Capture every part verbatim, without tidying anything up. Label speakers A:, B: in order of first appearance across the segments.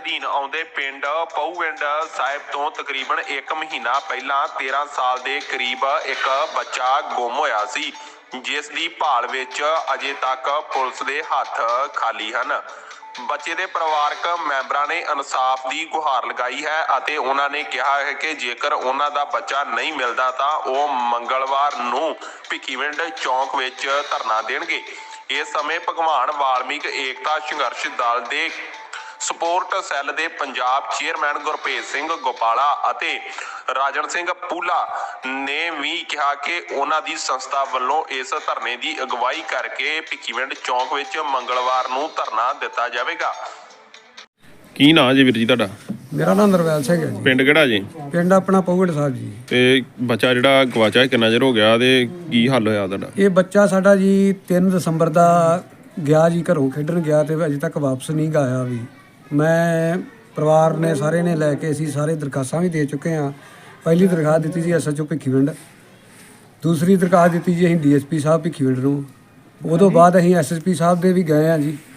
A: ਅਧੀਨ ਆਉਂਦੇ ਪਿੰਡ ਪਹੂਵਿੰਡ ਸਾਹਿਬ ਤੋਂ ਤਕਰੀਬਨ ਇੱਕ ਮਹੀਨਾ ਪਹਿਲਾਂ ਤੇਰਾਂ ਸਾਲ ਦੇ ਕਰੀਬ ਇੱਕ ਬੱਚਾ ਗੁੰਮ ਹੋਇਆ ਸੀ, ਜਿਸ ਦੀ ਭਾਲ ਵਿੱਚ ਅਜੇ ਤੱਕ ਪੁਲਿਸ ਦੇ ਹੱਥ ਖਾਲੀ ਹਨ। ਬੱਚੇ ਦੇ ਪਰਿਵਾਰਕ ਮੈਂਬਰਾਂ ਨੇ ਇਨਸਾਫ ਦੀ ਗੁਹਾਰ ਲਗਾਈ ਹੈ ਅਤੇ ਉਹਨਾਂ ਨੇ ਕਿਹਾ ਹੈ ਕਿ ਜੇਕਰ ਉਹਨਾਂ ਦਾ ਬੱਚਾ ਨਹੀਂ ਮਿਲਦਾ ਤਾਂ ਉਹ ਮੰਗਲਵਾਰ ਨੂੰ ਭਿੱਖੀਵਿੰਡ ਚੌਂਕ ਵਿੱਚ ਧਰਨਾ ਦੇਣਗੇ। ਇਸ ਸਮੇਂ ਭਗਵਾਨ ਵਾਲਮੀਕ ਏਕਤਾ ਸੰਘਰਸ਼ ਦਲ ਦੇ ਸਪੋਰਟ ਸੈੱਲ ਦੇ ਪੰਜਾਬ ਚੇਅਰਮੈਨ ਗੁਰਭੇਜ ਸਿੰਘ ਗੋਪਾਲਾ ਅਤੇ ਰਾਜਨ ਸਿੰਘ ਪੂਲਾ ਨੇ ਵੀ ਕਿਹਾ ਕਿ ਉਹਨਾਂ ਦੀ ਸੰਸਥਾ ਵੱਲੋਂ ਇਸ ਧਰਨੇ ਦੀ ਅਗਵਾਈ ਕਰਕੇ ਭਿੱਖੀਵਿੰਡ ਚੌਂਕ ਵਿੱਚ ਮੰਗਲਵਾਰ ਨੂੰ ਧਰਨਾ ਦਿੱਤਾ ਜਾਵੇਗਾ।
B: ਕੀ ਨਾਂ ਜੀ ਵੀਰ ਜੀ ਤੁਹਾਡਾ?
C: ਮੇਰਾ ਨਾਮ ਨਰਵੈਲ ਸਿੰਘ ਹੈ ਜੀ।
B: ਪਿੰਡ ਕਿਹੜਾ ਜੀ?
C: ਪਿੰਡ ਆਪਣਾ ਪਹੂਵਿੰਡ ਸਾਹਿਬ ਜੀ।
B: ਤੇ ਬੱਚਾ ਜਿਹੜਾ ਗਵਾਚਾ ਕਿੰਨਾ ਚਿਰ ਹੋ ਗਿਆ ਤੇ ਕੀ ਹੱਲ ਹੋਇਆ ਤੁਹਾਡਾ?
C: ਇਹ ਬੱਚਾ ਸਾਡਾ ਜੀ ਤਿੰਨ ਦਸੰਬਰ ਦਾ ਗਿਆ ਜੀ, ਘਰੋਂ ਖੇਡਣ ਗਿਆ ਤੇ ਅਜੇ ਤੱਕ ਵਾਪਸ ਨਹੀਂ ਆਇਆ ਵੀ। ਮੈਂ ਪਰਿਵਾਰ ਨੇ ਸਾਰੇ ਨੇ ਲੈ ਕੇ ਅਸੀਂ ਸਾਰੇ ਦਰਖਾਸਤਾਂ ਵੀ ਦੇ ਚੁੱਕੇ ਹਾਂ। ਪਹਿਲੀ ਦਰਖਾਸਤ ਦਿੱਤੀ ਸੀ ਐਸ ਐਚ ਓ ਭਿੱਖੀਵਿੰਡ, ਦੂਸਰੀ ਦਰਖਾਸਤ ਦਿੱਤੀ ਜੀ ਅਸੀਂ ਡੀ ਐਸ ਪੀ ਸਾਹਿਬ ਭਿੱਖੀਵਿੰਡ ਨੂੰ। ਉਦੋਂ ਬਾਅਦ ਅਸੀਂ ਐਸ ਐਸ ਪੀ ਸਾਹਿਬ ਦੇ ਵੀ ਗਏ ਹਾਂ ਜੀ,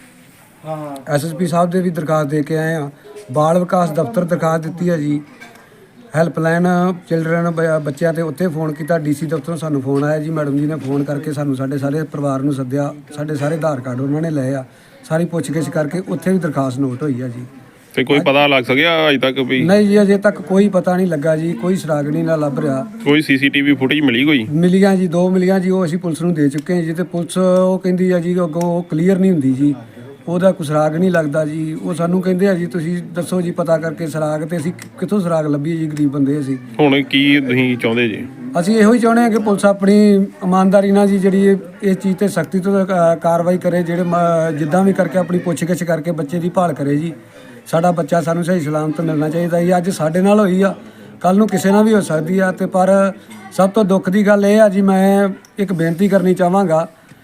C: ਐਸ ਐਸ ਪੀ ਸਾਹਿਬ ਦੇ ਵੀ ਦਰਖਾਸਤ ਦੇ ਕੇ ਆਏ ਹਾਂ। ਬਾਲ ਵਿਕਾਸ ਦਫ਼ਤਰ ਦਰਖਾਸਤ ਦਿੱਤੀ ਹੈ ਜੀ। ਹੈਲਪਲਾਈਨ ਚਿਲਡਰਨ ਬੱਚਿਆਂ 'ਤੇ ਉੱਥੇ ਫੋਨ ਕੀਤਾ, ਡੀ ਸੀ ਦਫ਼ਤਰੋਂ ਸਾਨੂੰ ਫੋਨ ਆਇਆ ਜੀ। ਮੈਡਮ ਜੀ ਨੇ ਫੋਨ ਕਰਕੇ ਸਾਨੂੰ ਸਾਡੇ ਸਾਰੇ ਪਰਿਵਾਰ ਨੂੰ ਸੱਦਿਆ, ਸਾਡੇ ਸਾਰੇ ਆਧਾਰ ਕਾਰਡ ਉਹਨਾਂ ਨੇ ਲਏ ਆ, ਸਾਰੀ ਪੁੱਛਗਿੱਛ ਕਰਕੇ ਉੱਥੇ ਵੀ ਦਰਖਾਸਤ ਨੋਟ ਹੋਈ ਆ ਜੀ।
B: ਤੇ ਕੋਈ ਪਤਾ ਲੱਗ ਸਕਿਆ ਅਜੇ ਤੱਕ ਵੀ?
C: ਨਹੀਂ ਜੀ, ਅਜੇ ਤੱਕ ਕੋਈ ਪਤਾ ਨਹੀਂ ਲੱਗਾ ਜੀ, ਕੋਈ ਸੁਰਾਗ ਨਹੀਂ ਨਾ ਲੱਭ ਰਿਹਾ।
B: ਕੋਈ ਸੀ ਸੀ ਟੀ ਵੀ ਫੁਟੇਜ ਮਿਲੀ? ਕੋਈ
C: ਮਿਲੀਆਂ ਜੀ, ਦੋ ਮਿਲੀਆਂ ਜੀ, ਉਹ ਅਸੀਂ ਪੁਲਿਸ ਨੂੰ ਦੇ ਚੁੱਕੇ ਹਾਂ ਜੀ। ਤੇ ਪੁਲਿਸ ਉਹ ਕਹਿੰਦੀ ਆ ਜੀ ਅੱਗੋਂ ਉਹ ਕਲੀਅਰ ਨਹੀਂ ਹੁੰਦੀ ਜੀ, ਉਹਦਾ ਕੋਈ ਸੁਰਾਗ ਨਹੀਂ ਲੱਗਦਾ ਜੀ। ਉਹ ਸਾਨੂੰ ਕਹਿੰਦੇ ਆ ਜੀ ਤੁਸੀਂ ਦੱਸੋ ਜੀ ਪਤਾ ਕਰਕੇ ਸੁਰਾਗ, ਤੇ ਅਸੀਂ ਕਿੱਥੋਂ ਸੁਰਾਗ ਲੱਭੀਏ ਜੀ, ਗਰੀਬ ਬੰਦੇ ਅਸੀਂ।
B: ਹੁਣ ਕੀ ਤੁਸੀਂ ਚਾਹੁੰਦੇ ਜੀ?
C: ਅਸੀਂ ਇਹੋ ਹੀ ਚਾਹੁੰਦੇ ਹਾਂ ਕਿ ਪੁਲਿਸ ਆਪਣੀ ਇਮਾਨਦਾਰੀ ਨਾਲ ਜੀ ਜਿਹੜੀ ਇਸ ਚੀਜ਼ 'ਤੇ ਸਖਤੀ ਤੋਂ ਕਾਰਵਾਈ ਕਰੇ, ਜਿਹੜੇ ਜਿੱਦਾਂ ਵੀ ਕਰਕੇ ਆਪਣੀ ਪੁੱਛਗਿੱਛ ਕਰਕੇ ਬੱਚੇ ਦੀ ਭਾਲ ਕਰੇ ਜੀ। ਸਾਡਾ ਬੱਚਾ ਸਾਨੂੰ ਸਹੀ ਸਲਾਮਤ ਮਿਲਣਾ ਚਾਹੀਦਾ ਜੀ। ਅੱਜ ਸਾਡੇ ਨਾਲ ਹੋਈ ਆ, ਕੱਲ੍ਹ ਨੂੰ ਕਿਸੇ ਨਾਲ ਵੀ ਹੋ ਸਕਦੀ ਆ। ਤੇ ਪਰ ਸਭ ਤੋਂ ਦੁੱਖ ਦੀ ਗੱਲ ਇਹ ਆ ਜੀ, ਮੈਂ ਇੱਕ ਬੇਨਤੀ ਕਰਨੀ ਚਾਹਾਂਗਾ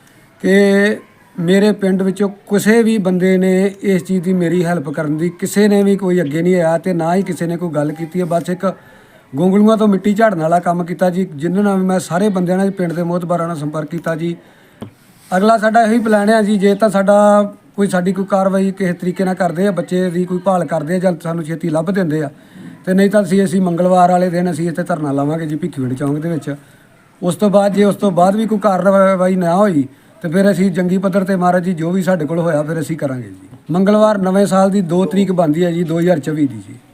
C: ਕਿ ਮੇਰੇ ਪਿੰਡ ਵਿੱਚੋਂ ਕਿਸੇ ਵੀ ਬੰਦੇ ਨੇ ਇਸ ਚੀਜ਼ ਦੀ ਮੇਰੀ ਹੈਲਪ ਕਰਨ ਦੀ ਕਿਸੇ ਨੇ ਵੀ ਕੋਈ ਅੱਗੇ ਨਹੀਂ ਆਇਆ, ਤੇ ਨਾ ਹੀ ਕਿਸੇ ਨੇ ਕੋਈ ਗੱਲ ਕੀਤੀ ਹੈ। ਬਸ ਇੱਕ ਗੋਂਗਲੂਆਂ ਤੋਂ ਮਿੱਟੀ ਝਾੜਨ ਵਾਲਾ ਕੰਮ ਕੀਤਾ ਜੀ, ਜਿਨ੍ਹਾਂ ਨਾਲ ਮੈਂ ਸਾਰੇ ਬੰਦਿਆਂ ਨਾਲ ਪਿੰਡ ਦੇ ਮੋਹਤਬਾਰਾਂ ਨਾਲ ਸੰਪਰਕ ਕੀਤਾ ਜੀ। ਅਗਲਾ ਸਾਡਾ ਇਹੀ ਪਲਾਨ ਹੈ ਜੀ, ਜੇ ਤਾਂ ਸਾਡਾ ਕੋਈ ਸਾਡੀ ਕੋਈ ਕਾਰਵਾਈ ਕਿਸੇ ਤਰੀਕੇ ਨਾਲ ਕਰਦੇ ਆ, ਬੱਚੇ ਦੀ ਕੋਈ ਭਾਲ ਕਰਦੇ ਆ ਜਾਂ ਸਾਨੂੰ ਛੇਤੀ ਲੱਭ ਦਿੰਦੇ ਆ, ਤੇ ਨਹੀਂ ਤਾਂ ਅਸੀਂ ਅਸੀਂ ਮੰਗਲਵਾਰ ਵਾਲੇ ਦਿਨ ਅਸੀਂ ਇੱਥੇ ਧਰਨਾ ਲਾਵਾਂਗੇ ਜੀ ਭਿੱਖੀਵਿੰਡ ਚੌਂਕ ਦੇ ਵਿੱਚ। ਉਸ ਤੋਂ ਬਾਅਦ ਜੇ ਉਸ ਤੋਂ ਬਾਅਦ ਵੀ ਕੋਈ ਕਾਰਵਾਈ ਨਾ ਹੋਈ ਤੇ ਫਿਰ ਅਸੀਂ ਜੰਗੀ ਪੱਧਰ ਤੇ ਮਹਾਰਾਜ ਜੀ ਜੋ ਵੀ ਸਾਡੇ ਕੋਲ ਹੋਇਆ ਫਿਰ ਅਸੀਂ ਕਰਾਂਗੇ ਜੀ। ਮੰਗਲਵਾਰ ਨਵੇਂ ਸਾਲ ਦੀ ਦੋ ਤਰੀਕ ਬਣਦੀ ਹੈ ਜੀ, ਦੋ ਹਜ਼ਾਰ ਚੌਵੀ ਦੀ ਜੀ।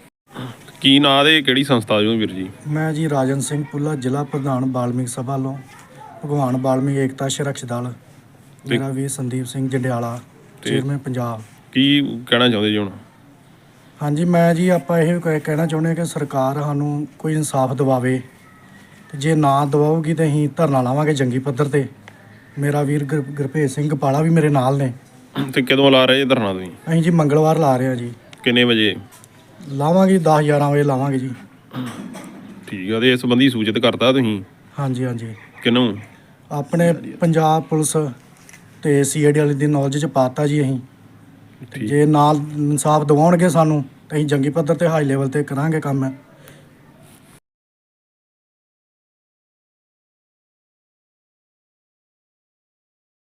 B: ਕੀ ਨਾਂ ਦੇ ਕਿਹੜੀ ਸੰਸਥਾ ਜੋ ਵੀਰ ਜੀ?
D: ਮੈਂ ਜੀ ਰਾਜਨ ਸਿੰਘ ਪੁੱਲਾ, ਜ਼ਿਲ੍ਹਾ ਪ੍ਰਧਾਨ ਵਾਲਮੀਕ ਸਭਾ ਵੱਲੋਂ ਭਗਵਾਨ ਵਾਲਮੀਕ ਏਕਤਾ ਸੰਘਰਸ਼ ਦਲ। ਮੇਰਾ ਵੀ ਸੰਦੀਪ ਸਿੰਘ ਜੰਡਿਆਲਾ, ਚੇਅਰਮੈਨ ਪੰਜਾਬ। ਕੀ
B: ਕਹਿਣਾ ਚਾਹੁੰਦੇ ਜੀ ਹੁਣ?
D: ਹਾਂਜੀ, ਮੈਂ ਜੀ ਆਪਾਂ ਇਹ ਕਹਿਣਾ ਚਾਹੁੰਦੇ ਕਿ ਸਰਕਾਰ ਸਾਨੂੰ ਕੋਈ ਇਨਸਾਫ ਦਿਵਾਵੇ, ਤੇ ਜੇ ਨਾ ਦਿਵਾਉਗੀ ਤਾਂ ਅਸੀਂ ਧਰਨਾ ਲਾਵਾਂਗੇ ਜੰਗੀ ਪੱਧਰ 'ਤੇ। ਮੇਰਾ ਵੀਰ ਗੁਰ ਗੁਰਭੇਜ ਸਿੰਘ ਗੋਪਾਲਾ ਵੀ ਮੇਰੇ ਨਾਲ ਨੇ।
B: ਤੇ ਕਦੋਂ ਲਾ ਰਹੇ ਜੀ ਧਰਨਾ ਤੁਸੀਂ?
D: ਅਸੀਂ ਜੀ ਮੰਗਲਵਾਰ ਲਾ ਰਹੇ ਹਾਂ ਜੀ।
B: ਕਿੰਨੇ ਵਜੇ
D: ਲਾਵਾਂਗੇ? ਦਸ ਗਿਆਰਾਂ ਵਜੇ ਲਾਵਾਂਗੇ ਜੀ।
B: ਠੀਕ ਆ। ਤੇ ਇਸ ਸੰਬੰਧੀ ਸੂਚਿਤ ਕਰਤਾ ਤੁਸੀਂ?
D: ਹਾਂਜੀ ਹਾਂਜੀ।
B: ਕਿਹਨੂੰ?
D: ਆਪਣੇ ਪੰਜਾਬ ਪੁਲਿਸ ਤੇ ਸੀ ਆਈ ਡੀ ਵਾਲੇ ਦੀ ਨੌਲੇਜ 'ਚ ਪਾਤਾ ਜੀ ਅਸੀਂ। ਜੇ ਨਾਲ ਇਨਸਾਫ ਦਿਵਾਉਣਗੇ ਸਾਨੂੰ ਤਾਂ ਅਸੀਂ ਜੰਗੀ ਪੱਧਰ 'ਤੇ ਹਾਈ ਲੈਵਲ 'ਤੇ ਕਰਾਂਗੇ ਕੰਮ।